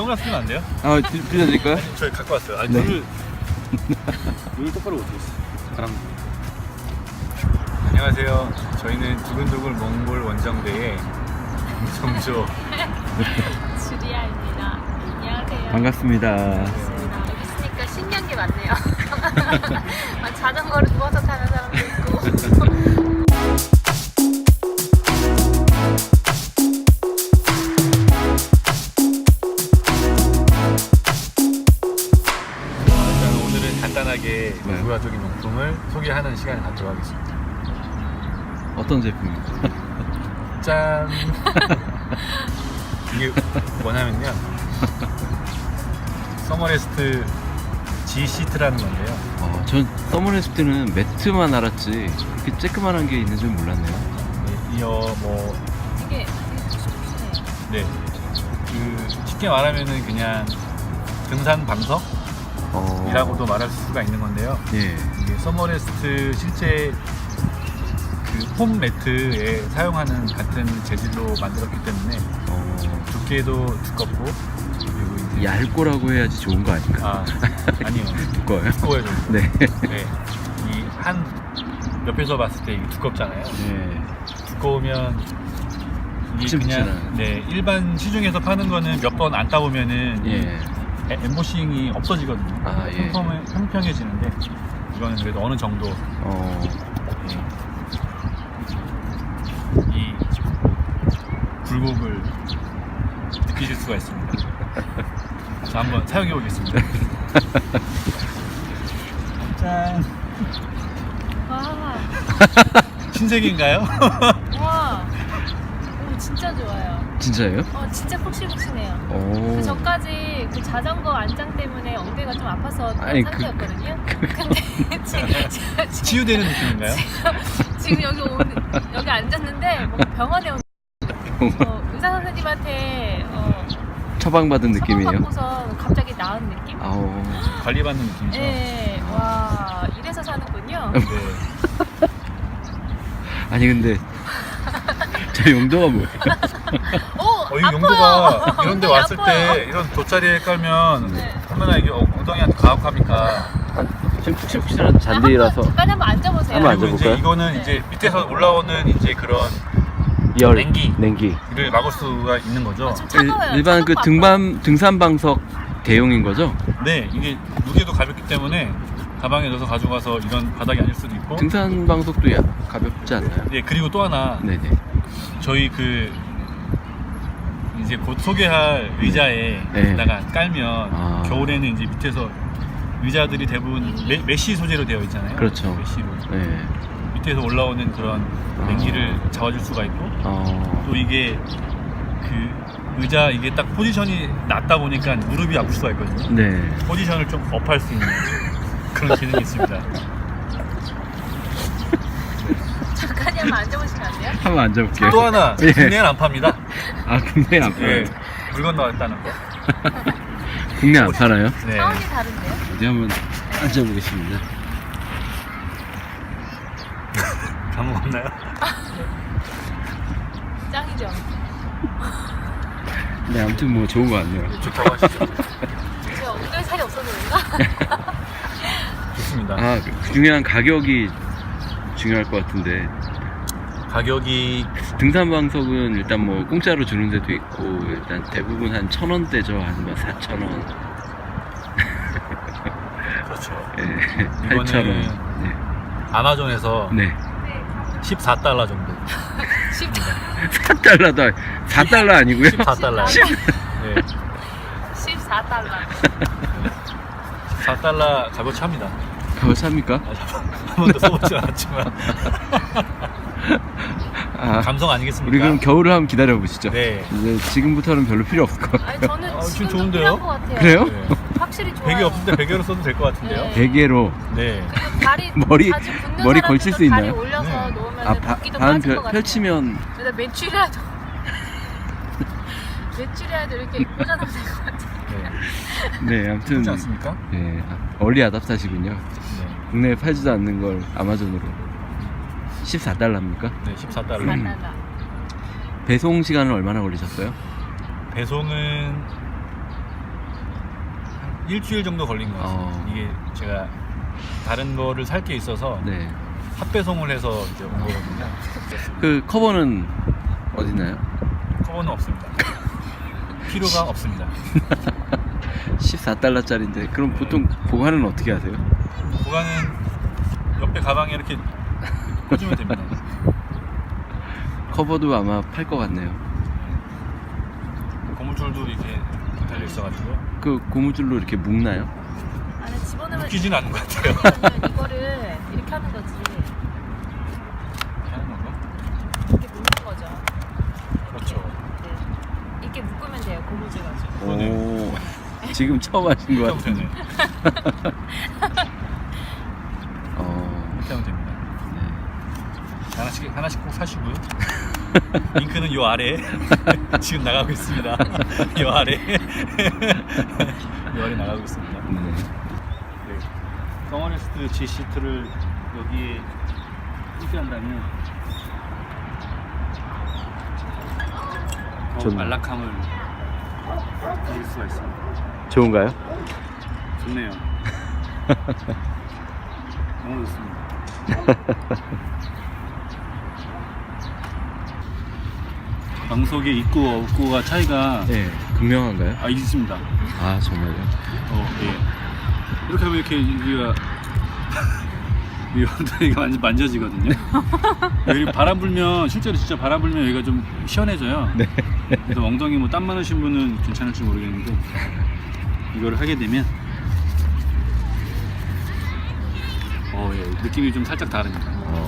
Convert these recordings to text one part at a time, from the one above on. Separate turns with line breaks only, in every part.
선글라스 끼면 안 돼요?
아, 빌려드릴까요?
저희 갖고 왔어요. 아니,
네.
눈을 똑바로 못 뜨겠어. 바람. 안녕하세요. 저희는 두근두근 몽골 원정대의 정조.
주리아입니다. 안녕하세요.
반갑습니다.
여기 있으니까 신기한 게 많네요. 자전거를 누워서 타는 사람도 있고.
일단 오늘은 간단하게
네.
부가적인 용품을 소개하는 시간을 갖도록 하겠습니다.
어떤 제품입니까?
짠! 이게 뭐냐면요. 서머레스트 G 시트라는 건데요.
전 서머레스트는 매트만 알았지 이렇게 쬐끄만한 게 있는 줄 몰랐네요.
네, 뭐
이게 좋네요.
네, 그 쉽게 말하면은 그냥 등산 방석이라고도 말할 수가 있는 건데요.
예.
이게 서머레스트 실제 그 폼 매트에 사용하는 같은 재질로 만들었기 때문에 두께도 두껍고 그리고 이제
얇고라고 해야지 좋은 거 아닌가?
아니요.
두꺼워요?
두꺼워요. 좀.
네.
네. 이 한 옆에서 봤을 때 이게 두껍잖아요.
네.
두꺼우면 이게 그냥
푹신푹신한.
네, 일반 시중에서 파는 거는 몇 번 안 따보면은
예.
엠보싱이 없어지거든요.
아, 예.
평평해지는데 이거는 그래도 어느 정도 네, 이 굴곡을 느끼실 수가 있습니다. 자, 한번 사용해 보겠습니다. 짠.
와,
신세계인가요?
와, 오, 진짜 좋아요.
진짜예요?
진짜 푹신푹신해요.
오.
그 전까지 그 자전거 안장 때문에 엉덩이가 좀 아파서 그런
아니,
상태였거든요. 근데 지금
치유되는 느낌인가요?
지금 여기 앉았는데 뭔가 병원에 온 의사 선생님한테
처방받은 느낌이에요.
처방받고서 갑자기 나은 느낌?
아오.
관리받는 느낌이죠?
네, 와 이래서 사는군요.
네.
아니 근데 저 용도가 뭐예요?
이
아파요.
용도가 이런 데
엉덩이
왔을
아파요.
때 이런 돗자리에 깔면
네.
얼마나 이게 엉덩이한테 가혹합니까?
지금 푹신푹신한 잔디라서
잠깐 한번 앉아보세요.
한번
그리고 이제
앉아볼까요?
이거는
네.
이제 밑에서 올라오는 이제 그런
열
냉기.
냉기.
이를 막을 수가 있는 거죠.
좀 차가워요.
일반 그
차갑고
등산 방석 대용인 거죠?
네, 이게 무게도 가볍기 때문에 가방에 넣어서 가져가서 이런 바닥이 아닐 수도 있고.
등산 방석도 가볍지 않나요?
네, 그리고 또 하나
네네.
저희 이제 곧 소개할 의자에다가 깔면 겨울에는 이제 밑에서 의자들이 대부분 메쉬 소재로 되어 있잖아요.
그렇죠.
메쉬로
네.
밑에서 올라오는 그런 냉기를 잡아줄 수가 있고 또 이게 그 의자 이게 딱 포지션이 낮다 보니까 무릎이 아플 수가 있거든요.
네.
포지션을 좀 업할 수 있는 그런 기능이 있습니다.
잠깐 한번 앉아보시면 안 돼요?
한번 앉아볼게요.
또 하나
예.
국내에는 안 팝니다.
아 국내 안 팔아요?
예, 물건 나왔다는 거.
국내 안 팔아요?
네.
차원이 다른데요?
어디 한번 앉아보겠습니다.
까먹었나요?
짱이죠.
네, 아무튼 뭐 좋은 거 같네요.
좋다고 하시죠.
제가 엉덩이 살이 없어서 그런가?
좋습니다.
그 중요한 가격이 중요할 것 같은데
가격이
등산 방석은 일단 뭐 공짜로 주는 데도 있고 일단 대부분 한 1,000원대죠. 아니면 4,000원.
그렇죠.
네,
이거는
8,000원.
아마존에서
네.
14달러 정도.
4달러도 4달러 아니고요?
14달러. 네.
14달러.
14달러 값어치 합니다.
그거 삽니까?
한 번도 써보지 않았지만. 감성 아니겠습니까?
우리 그럼 겨울을 한번 기다려 보시죠.
네.
이제 지금부터는 별로 필요 없을 것 같아요.
아니 저는
지금
지금도
좋은데요?
필요한 것 같아요.
그래요?
네.
확실히 좋아요.
베개 없는데 베개로 써도 될 것 같은데요.
네.
베개로
네.
다리
머리-
자주 붓는
머리 걸칠 수
사람들도
있나요?
다리 올려서
네.
놓으면 붓기도
반
빠질 것 같아요.
펼치면
근데 매출이라도 매출이라도 이렇게 꽂아놓으면 될 것 같아요.
네.
네, 아무튼
그렇지 않습니까?
네, 얼리 아답타시군요.
네.
국내에 팔지도 않는 걸 아마존으로 14달러입니까?
네, 14달러.
14달러.
배송 시간은 얼마나 걸리셨어요?
배송은 일주일 정도 걸린 것 같아요. 이게 제가 다른 거를 살 게 있어서
네.
합배송을 해서 이제 온 거거든요.
그 커버는 어디나요?
커버는 없습니다. 필요가 없습니다.
14달러짜리인데 그럼 보통 보관은 어떻게 하세요?
보관은 옆에 가방에 이렇게 꽂으면 됩니다.
커버도 아마 팔 것 같네요.
고무줄도 이렇게 달려 있어가지고
그 고무줄로 이렇게 묶나요?
안에 집어넣으면
묶이진 않은 것 같아요.
그러면 이거를 이렇게 하는 거지.
이렇게 하는 건가?
이렇게 묶는 거죠.
그렇죠.
네. 이렇게 묶으면 돼요. 고무줄 가지고.
오, 지금 처음 하신 것
이렇게 하면
같은데.
되네. 이렇게 하면 됩니다.
네.
하나씩 꼭 사시고요. 링크는 요 아래 지금 나가고 있습니다. 요 아래 요 아래 나가고 있습니다.
네.
네. 서머레스트 G 시트를 여기에 설치한다면
좋네요.
안락함을 느낄 수가 있습니다.
좋은가요?
좋네요. 너무 좋습니다. 방석의 있고 없고가 차이가
네. 극명한가요?
있습니다.
아, 정말요?
예. 이렇게 하면 이렇게 여기가 이 엉덩이가 완전 만져지거든요. 여기 바람 불면 실제로 진짜 바람 불면 여기가 좀 시원해져요.
네.
그래서 엉덩이 뭐 땀 많으신 분은 괜찮을지 모르겠는데 이거를 하게 되면 예. 느낌이 좀 살짝 다릅니다.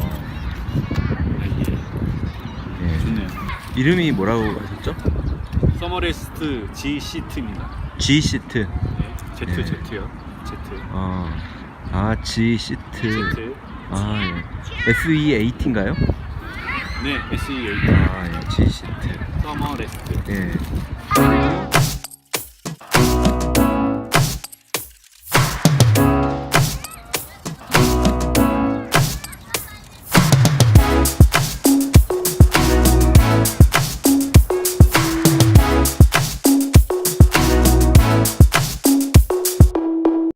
예.
예.
좋네요.
이름이 뭐라고 하셨죠?
서머레스트 G 시트입니다.
G 시트.
네.
네.
Z요. Z.
G 시트.
Z.
예. SE8인가요?
네, SE8.
예. G 시트.
서머레스트.
예.